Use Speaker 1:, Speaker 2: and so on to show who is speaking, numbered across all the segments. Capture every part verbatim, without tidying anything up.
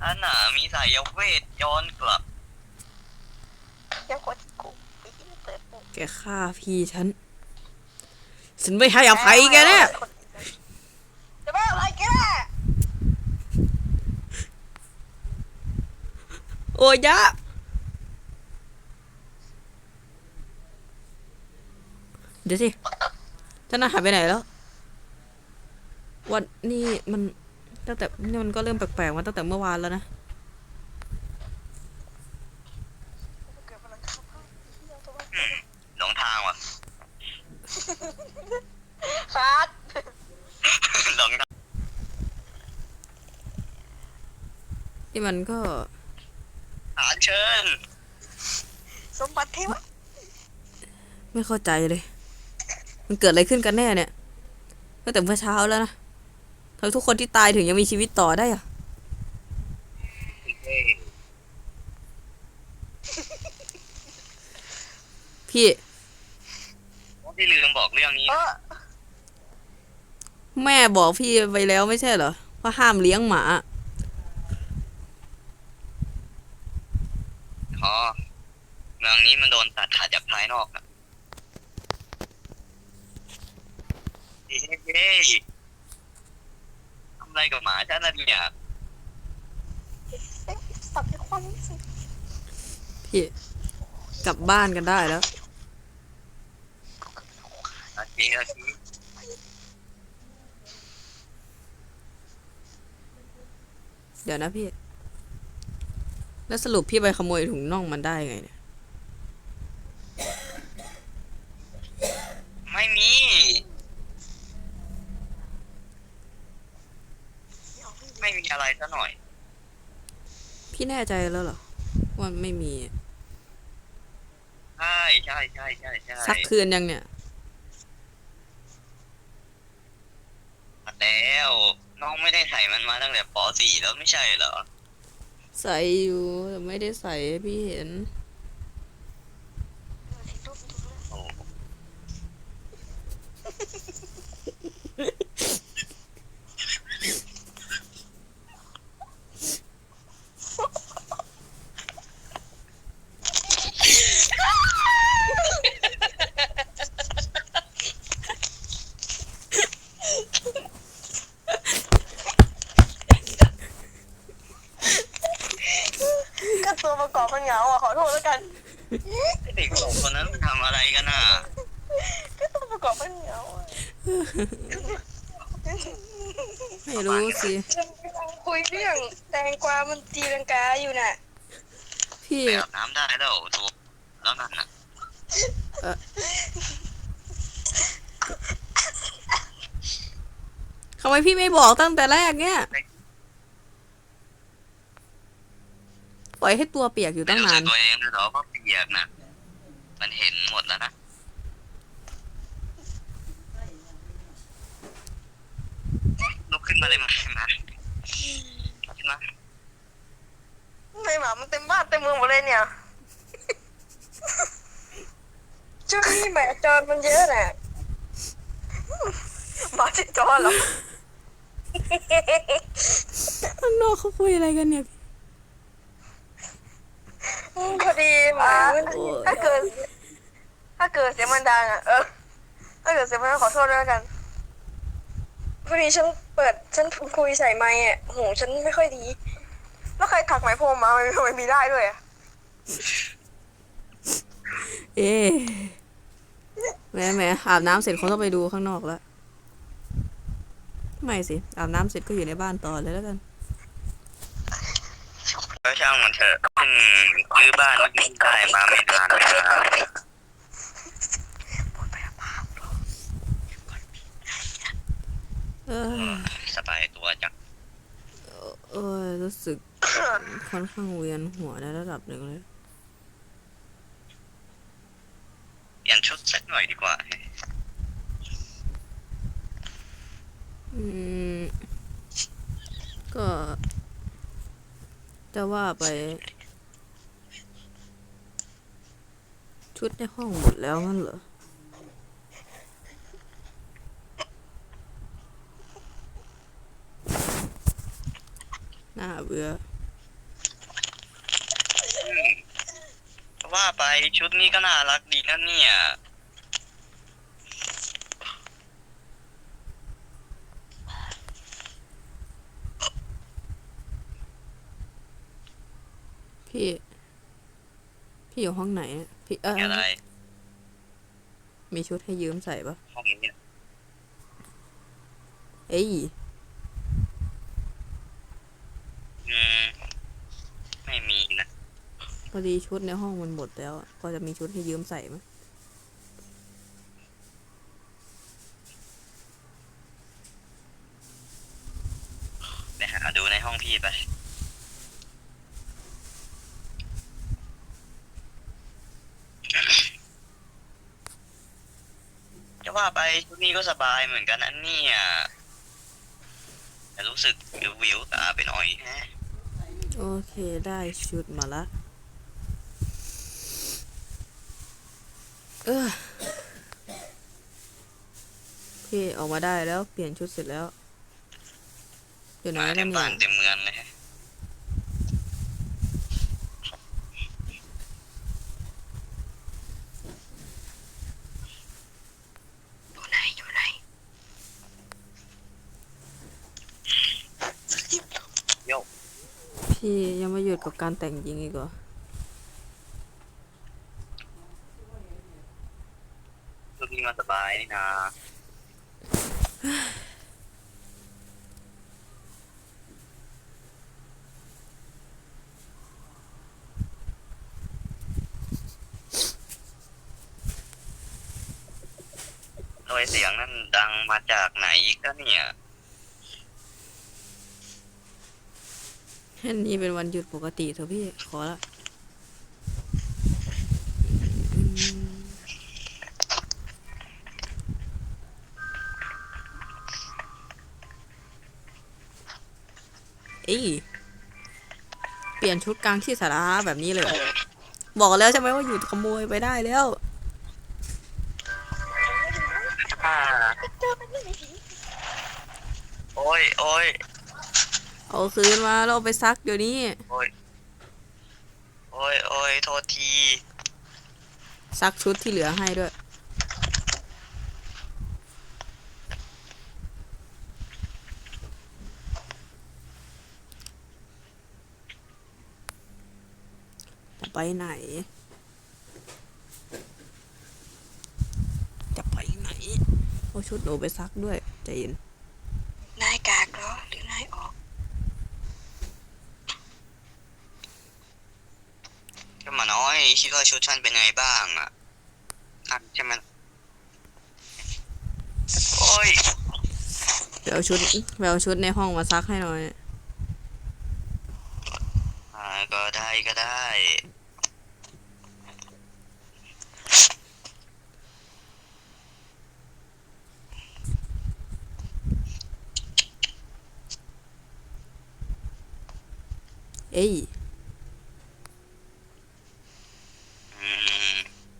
Speaker 1: อันน่ะมีสายเวทย้อนกลับ
Speaker 2: ยังกดกูไปที่เปิดกู
Speaker 3: แกฆ่าพี่ฉันฉันไม่ให้อภัยแกเนี่ย
Speaker 2: จะไม่อะไรแก
Speaker 3: โอ้ยะเดี๋ยวสิฉันน่ะหายไปไหนแล้ววันนี้มันตั้งแต่นี่มันก็เริ่มแปลกๆมาตั้งแต่เมื่อวานแล้วนะ
Speaker 1: หลงทางว่ะ
Speaker 2: คัด
Speaker 1: หลงทาง
Speaker 3: ที่มันก็
Speaker 1: หาเชิญ
Speaker 2: สมบัติเทวะ
Speaker 3: ไม่เข้าใจเลยมันเกิดอะไรขึ้นกันแน่เนี่ยตั้งแต่เมื่อเช้าแล้วนะทำไมทุกคนที่ตายถึงยังมีชีวิตต่อได้อะพี่
Speaker 1: พี่ลืมบอกเรื่องนี้
Speaker 3: แม่บอกพี่ไปแล้วไม่ใช่เหรอว่าห้ามเลี้ยงหมา
Speaker 1: อ๋อเมืองนี้มันโดนตัดขาดจากภายนอกอะเฮ้ยทำอะไรกับหมาฉันน่ะเนี่ย
Speaker 2: สับในความรู้สึก
Speaker 3: พี่กลับบ้านกันได้แล้ว
Speaker 1: อาทีอาที
Speaker 3: เดี๋ยวนะพี่แล้วสรุปพี่ไปขโมยถุงน่องมันได้ไงเนี่ย
Speaker 1: ไม่มีไม่มีอะไรซะหน่อย
Speaker 3: พี่แน่ใจแล้วเหรอว่าไม่มี
Speaker 1: ใช่ใช่ใช่ใช่ใช่
Speaker 3: ซักคืนยังเนี่ย
Speaker 1: แล้วน้องไม่ได้ใส่มันมาตั้งแต่ป .สี่ แล้วไม่ใช่เหรอ
Speaker 3: ใส่อยู่แต่ไม่ได้ใส่ให้พี่เห็น
Speaker 1: โอ้
Speaker 2: ก็ตัวประกอบมันเหงาอ่ะขอโทษแล้วกัน
Speaker 1: เด็กสองคนนั้นทำอะไรกันน่ะ
Speaker 2: ก็ตัวประกอบมันเหงาอ่ะ
Speaker 3: ไม่รู้สิ
Speaker 2: ฉันกำลังคุยเรื่องแตงกวามันตีลังกาอยู่น่ะ
Speaker 3: พี่
Speaker 1: ไปอาบน้ำได้แล้วตัวแล้วนั่นน่ะ
Speaker 3: ทำไมพี่ไม่บอกตั้งแต่แรกเนี่ยปล่อยให้ตัวเปียกอยู่ตั้งนาน
Speaker 1: ตัวเองเหรอว่าเปียกน่ะมันเห็นหมดแล้วนะลุกขึ้นมาเลยมามาขึ้นมา
Speaker 2: ไม่หมามันเต็มบ้านเต็มเมืองหมดเลยเนี่ยช่วงนี้แหมาจรมันเยอะน่ะหมาจิจรเหรอ
Speaker 3: ข้างนอกเขาคุยอะไรกันเนี่ย
Speaker 2: พอดีหมาถ้าเกิดถ้าเกิดเสียงมันดังอ่ะเออถ้าเกิดเสียงมันดังขอโทษด้วยกันพอดีฉันเปิดฉันคุยใส่ไมค์อ่ะหูฉันไม่ค่อยดีแล้วใครถักไหมพรมมาทำไมมีได้ด้วยอ่ะ
Speaker 3: เอ๊ะแหมแหมอาบน้ำเสร็จคงต้องไปดูข้างนอกแล้วไม่สิอาบน้ำเสร็จก็อยู่ในบ้านต่อเลยแล้วกัน
Speaker 1: ก็ช่างมันเถอะเพิ่งซื้อบ้านนี้ได้มาไม่นานเลยนะ
Speaker 3: เออ
Speaker 1: สบายตัวจัง
Speaker 3: เออรู้สึกค่อนข้างเวียนหัวในระดับหนึ่งเลย
Speaker 1: เปลี่ยนชุดสักหน่อยดีกว่า
Speaker 3: อืมก็จะว่าไปชุดในห้องหมดแล้วงั้นเหรอน่าเบื่อ
Speaker 1: ว่าไปชุดนี้ก็น่ารักดีนะเนี่ย
Speaker 3: พี่ พี่อยู่ห้องไหนอะพี่เออ
Speaker 1: อะไร
Speaker 3: มีชุดให้ยืมใส่ปะ
Speaker 1: ห้องนี้
Speaker 3: เอ้ย
Speaker 1: อืมไม่มีนะ
Speaker 3: พอดีชุดในห้องมันหมดแล้วอะพอจะมีชุดให้ยืมใส่ไหม
Speaker 1: ไปหาดูในห้องพี่ไป จะว่าไปชุดนี้ก็สบายเหมือนกันนะเนี่ยแต่รู้สึกวิววิวตาไปหน่อยแฮะ
Speaker 3: โอเคได้ชุดมาละเออพี่ออกมาได้แล้วเปลี่ยนชุดเสร็จแล้วอยู่ไหน
Speaker 1: มา
Speaker 3: แล้ว
Speaker 1: เต็ม
Speaker 3: เนี่
Speaker 1: บ้าย นเต็มเมืองเลยฮะ
Speaker 2: อยู่ไหนอยู่ไหน
Speaker 3: พี่ยังไม่หยุดกับการแต่งหญิงอีกเหรอ
Speaker 1: ชุดนี้มันสบายนี่นาโดยเสียงนั้นดังมาจากไหนอีกก็เนี่ย
Speaker 3: อันนี้เป็นวันหยุดปกติเถอะพี่ขอละอืมเอ้ยเปลี่ยนชุดกลางที่สาธารณะแบบนี้เลยเหรอบอกแล้วใช่ไหมว่าหยุดขโมยไปได้แล้ว
Speaker 1: อ่าโอ้ยโอ้ย
Speaker 3: เอาคืนมาแล้วเอาไปซักเดี๋ยวนี้
Speaker 1: โอ้ยโอ้ยโอ้ยโทษที
Speaker 3: ซักชุดที่เหลือให้ด้วย จะไปไหน จะไปไหน เอาชุดหนูไปซักด้วยใจเย็น
Speaker 2: นายกากเหรอหรือนายออก
Speaker 1: ก็มาน้อยคิดว่าชุดฉันเป็นไงบ้างอ่ะนั่นใช่ไหมโอ้ย
Speaker 3: ไปเอาชุดไปเอาชุดในห้องมาซักให้หน่อย
Speaker 1: อ่าก็ได้ก็ได้
Speaker 3: เอ้ย
Speaker 1: อืม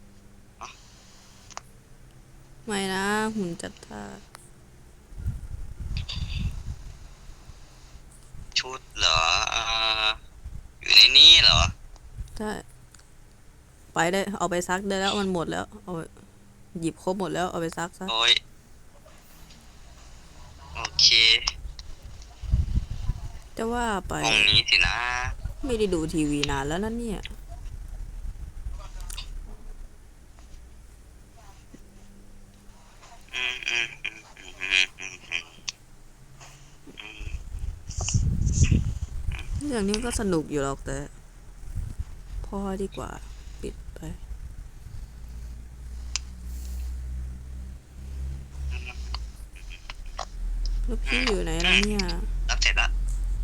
Speaker 3: ไม่นะหุ่นจัดท่า
Speaker 1: ชุดเหรออ่าอยู่ในนี้เหรอ
Speaker 3: ใช่ไปได้เอาไปซักได้แล้วมันหมดแล้วเอาไปหยิบครบหมดแล้วเอาไปซักซะ
Speaker 1: โอ้ยโอเค
Speaker 3: จะว่าไป
Speaker 1: ห้องนี้สินะ
Speaker 3: ไม่ได้ดูทีวีนานแล้วนั่นเนี่ย
Speaker 1: อืมอืมอืมอืมอืมอืมอืมอืม
Speaker 3: เรื่องนี้ก็สนุกอยู่หรอกแต่พอดีกว่าปิดไปแล้วพี่อยู่ไหนแล้วเนี่ย
Speaker 1: รับเสร็จละ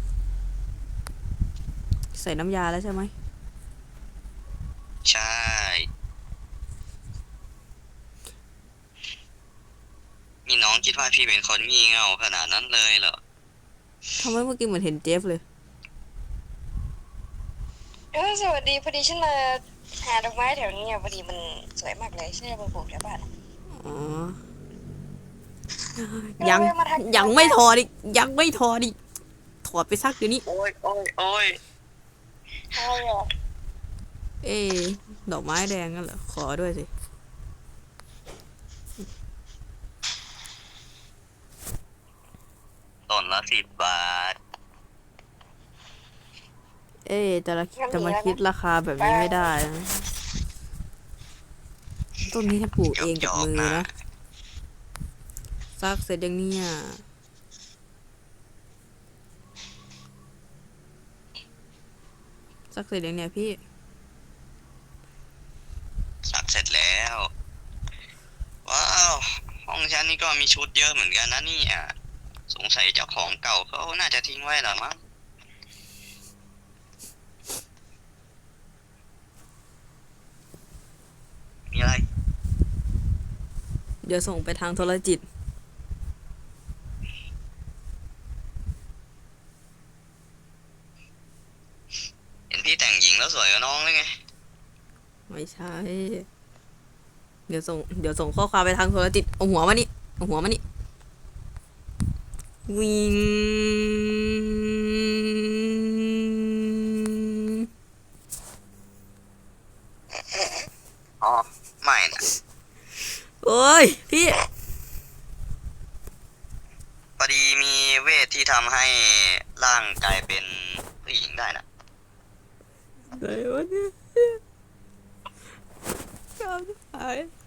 Speaker 3: ใส่น้ำยาแล้วใช่ไหม
Speaker 1: ใช่นี่น้องคิดว่าพี่เป็นคนงี่เง่าขนาดนั้นเลยเหรอ
Speaker 3: ทำไมเมื่อกี้เหมือนเห็นเจฟเลย
Speaker 2: เออสวัสดีพอดีฉันมาหาดอกไม้แถวนี้อ่ะพอดีมันสวยมากเลยฉันจะมาปลูกแถวบ้านอะ
Speaker 3: อ๋อ ยังยังไม่ถอดอีกยังไม่ถอดอีกถอดไปซักเดี๋ยวนี้
Speaker 1: โอ้ยโอ้ยโอ้ย
Speaker 2: อะไรอ่ะ
Speaker 3: เอ๊ะดอกไม้แดงนั่นเหรอขอด้วยสิ
Speaker 1: ต้นละสิบบาท
Speaker 3: เอ๊ะจะละจะมาคิดราคาแบบนี้ไม่ได้นะต้นนี้ถ้าปลูกเองกับมือนะซักเสร็จยังเนี่ยซักเสร็จยังเนี่ยพี่
Speaker 1: สักเสร็จแล้ว ว้าว ห้องฉันนี่ก็มีชุดเยอะเหมือนกันนะเนี่ยสงสัยเจ้าของเก่าเขาน่าจะทิ้งไว้หรอมั้งมีอะไร
Speaker 3: เดี๋ยวส่งไปทางโทรจิต
Speaker 1: เห็นพี่แต่งหญิงแล้วสวยกว่าน้องเลยไง
Speaker 3: ไม่ใช่ เดี๋ยวส่งเดี๋ยวส่งข้อความไปทางโทรจิตเอาหัวมานี่เอาหัวมานี่วิง
Speaker 1: อ๋อ ไม่นะ
Speaker 3: โอ้ยพี่
Speaker 1: พอดีมีเวทที่ทำให้ร่างกลายเป็นผู้หญิงได้นะ
Speaker 3: ไหนวะเนี่ยกำหาย